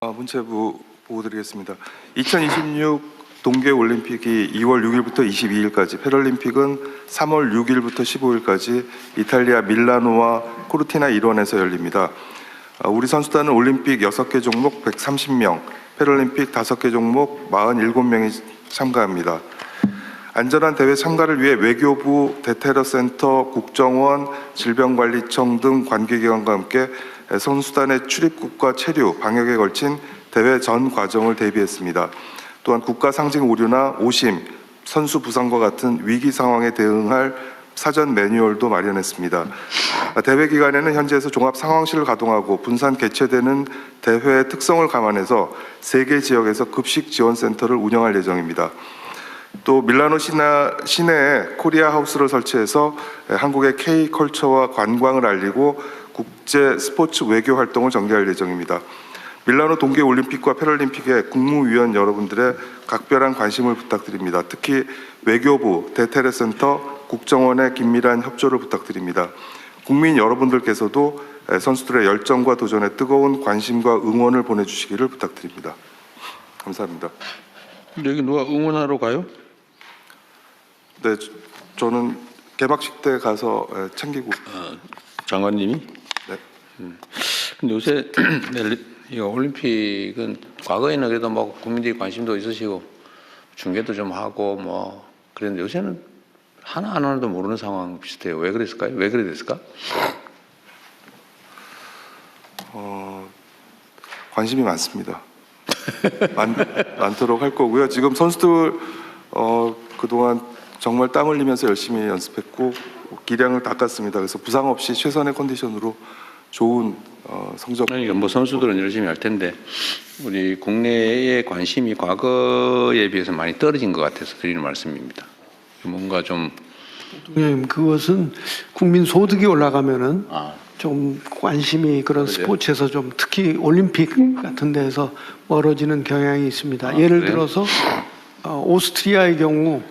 문체부 보고 드리겠습니다. 2026 동계올림픽이 2월 6일부터 22일까지, 패럴림픽은 3월 6일부터 15일까지 이탈리아 밀라노와 코르티나 일원에서 열립니다. 우리 선수단은 올림픽 6개 종목 130명, 패럴림픽 5개 종목 47명이 참가합니다. 안전한 대회 참가를 위해 외교부, 대테러센터, 국정원, 질병관리청 등 관계기관과 함께 선수단의 출입국과 체류, 방역에 걸친 대회 전 과정을 대비했습니다. 또한 국가 상징 오류나 오심, 선수 부상과 같은 위기 상황에 대응할 사전 매뉴얼도 마련했습니다. 대회 기간에는 현지에서 종합 상황실을 가동하고 분산 개최되는 대회의 특성을 감안해서 3개 지역에서 급식 지원센터를 운영할 예정입니다. 또 밀라노 시내에 코리아 하우스를 설치해서 한국의 K컬처와 관광을 알리고 국제 스포츠 외교 활동을 전개할 예정입니다. 밀라노 동계올림픽과 패럴림픽에 국무위원 여러분들의 각별한 관심을 부탁드립니다. 특히 외교부, 대테러센터, 국정원의 긴밀한 협조를 부탁드립니다. 국민 여러분들께서도 선수들의 열정과 도전에 뜨거운 관심과 응원을 보내주시기를 부탁드립니다. 감사합니다. 여기 누가 응원하러 가요? 네, 저는 개막식 때 가서 챙기고. 장관님이? 네. 근데 요새 이 올림픽은 과거에는 그래도 뭐 국민들이 관심도 있으시고 중계도 좀 하고 뭐 그랬는데 요새는 하나도 모르는 상황 비슷해요. 왜 그랬을까요? 왜 그래 됐을까? 관심이 많습니다. 많도록 할 거고요. 지금 선수들 그동안 정말 땀 흘리면서 열심히 연습했고 기량을 닦았습니다. 그래서 부상 없이 최선의 컨디션으로 좋은 성적. 그러니까 뭐 선수들은 열심히 할 텐데 우리 국내의 관심이 과거에 비해서 많이 떨어진 것 같아서 드리는 말씀입니다. 뭔가 좀 대통령님, 그것은 국민 소득이 올라가면은 좀 관심이 그런 그러세요? 스포츠에서 좀 특히 올림픽 같은 데서 멀어지는 경향이 있습니다. 예를 그래요? 들어서 오스트리아의 경우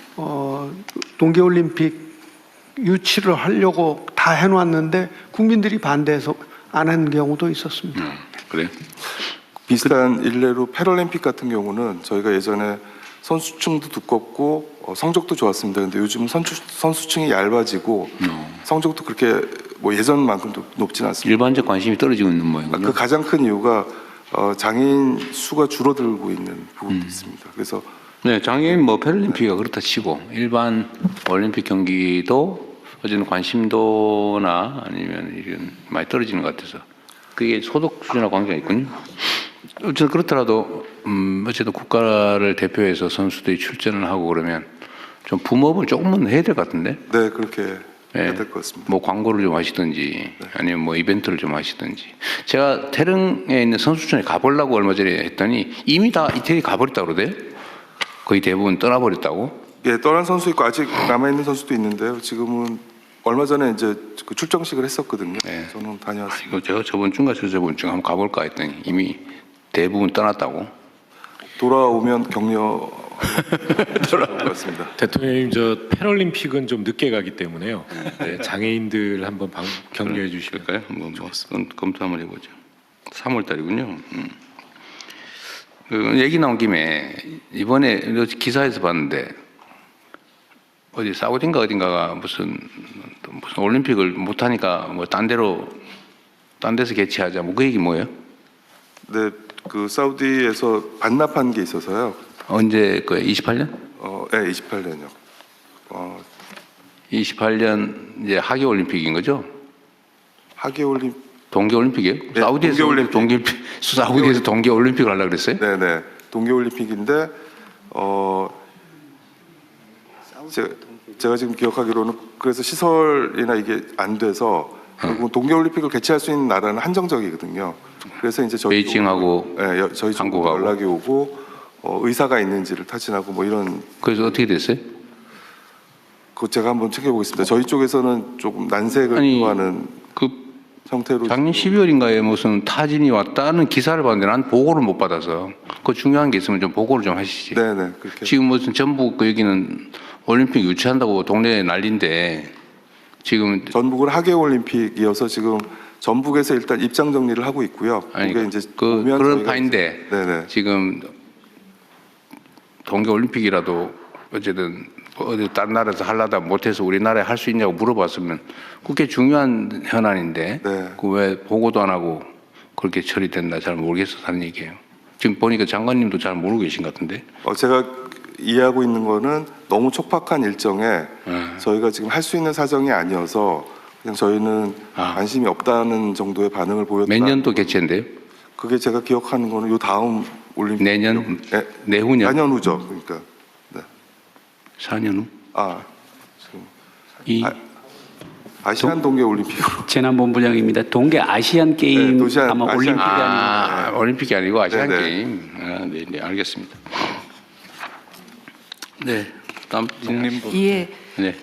동계올림픽 유치를 하려고 다 해놨는데 국민들이 반대해서 안 한 경우도 있었습니다. 그래? 비슷한 일례로 패럴림픽 같은 경우는 저희가 예전에 선수층도 두껍고 성적도 좋았습니다. 근데 요즘은 선수층이 얇아지고 성적도 그렇게 뭐 예전만큼 높지는 않습니다. 일반적 관심이 떨어지고 있는 모양이군요. 그 가장 큰 이유가 장애인 수가 줄어들고 있는 부분도 있습니다. 그래서 네, 장애인 뭐 패럴림픽이 그렇다 치고 일반 올림픽 경기도 어쨌든 관심도나 아니면 이런 많이 떨어지는 것 같아서 그게 소득 수준하고 관계가 있군요. 어쨌든 그렇더라도 어쨌든 국가를 대표해서 선수들이 출전을 하고 그러면 좀 붐업을 조금은 해야 될 것 같은데. 네, 그렇게 해야 네. 될 것 같습니다. 뭐 광고를 좀 하시든지 아니면 뭐 이벤트를 좀 하시든지. 제가 태릉에 있는 선수촌에 가보려고 얼마 전에 했더니 이미 다 이태리 가버렸다고 그러대요. 거의 대부분 떠나버렸다고. 예, 떠난 선수 있고 아직 남아 있는 선수도 있는데요. 지금은 얼마 전에 이제 그 출정식을 했었거든요. 네. 저는 다녀왔습니다. 이거 제가 저번 주인가 저번 주 한번 가볼까 했더니 이미 대부분 떠났다고. 돌아오면 격려 돌아올 것 같습니다. 대통령님, 저 패럴림픽은 좀 늦게 가기 때문에요. 네, 장애인들 한번 격려해 주시면. 그럴까요? 한번 뭐 검토 한번 해보죠. 3월 달이군요. 그 얘기 나온 김에 이번에 기사에서 봤는데 어디 사우디인가 어딘가가 무슨 올림픽을 못 하니까 뭐 딴 데서 개최하자 뭐 그 얘기 뭐예요? 네, 그 사우디에서 반납한 게 있어서요. 언제 그 28년? 네, 28년요. 28년 이제 하계 올림픽인 거죠? 하계 올림. 동계 올림픽이에요? 네, 사우디에서 동계올림픽. 사우디에서 동계 올림픽을 하려고 그랬어요? 네, 네, 동계 올림픽인데 제가 지금 기억하기로는 그래서 시설이나 이게 안 돼서 결국 동계올림픽을 개최할 수 있는 나라는 한정적이거든요. 그래서 이제 저희 베이징하고 저희 쪽으로 한국하고. 연락이 오고 의사가 있는지를 타진하고 뭐 이런. 그래서 어떻게 됐어요? 그거 제가 한번 챙겨보겠습니다. 저희 쪽에서는 조금 난색을 표하는 그 형태로. 작년 12월인가에 무슨 타진이 왔다는 기사를 봤는데 난 보고를 못 받아서 그 중요한 게 있으면 좀 보고를 좀 하시지. 네네, 그렇게. 지금 무슨 전북 그 여기는 올림픽 유치한다고 동네에 난리인데 지금 전북은 하계 올림픽이어서 지금 전북에서 일단 입장 정리를 하고 있고요. 아니, 그게 이제 그런 저희가 파인데 네네. 지금 동계올림픽이라도 어쨌든 어디 다른 나라에서 하려다 못해서 우리나라에 할 수 있냐고 물어봤으면 그게 중요한 현안인데 네. 그 왜 보고도 안 하고 그렇게 처리된다 잘 모르겠어서 하는 얘기예요. 지금 보니까 장관님도 잘 모르고 계신 것 같은데. 제가 이해하고 있는 거는 너무 촉박한 일정에 저희가 지금 할 수 있는 사정이 아니어서 그냥 저희는 관심이 없다는 정도의 반응을 보였다. 몇 년도 개최인데요? 그게 제가 기억하는 거는 요 다음 올림픽 내년? 네, 내후년? 4년 후죠. 그러니까 4년 후? 지금 이 아시안 동계 올림픽으로 재난본부장입니다. 동계 아시안 게임 네, 아마 아시안 올림픽이 게임. 아니고 올림픽이 아니고 아시안 네네. 게임. 네, 네, 알겠습니다. 네, 다음 예, 네.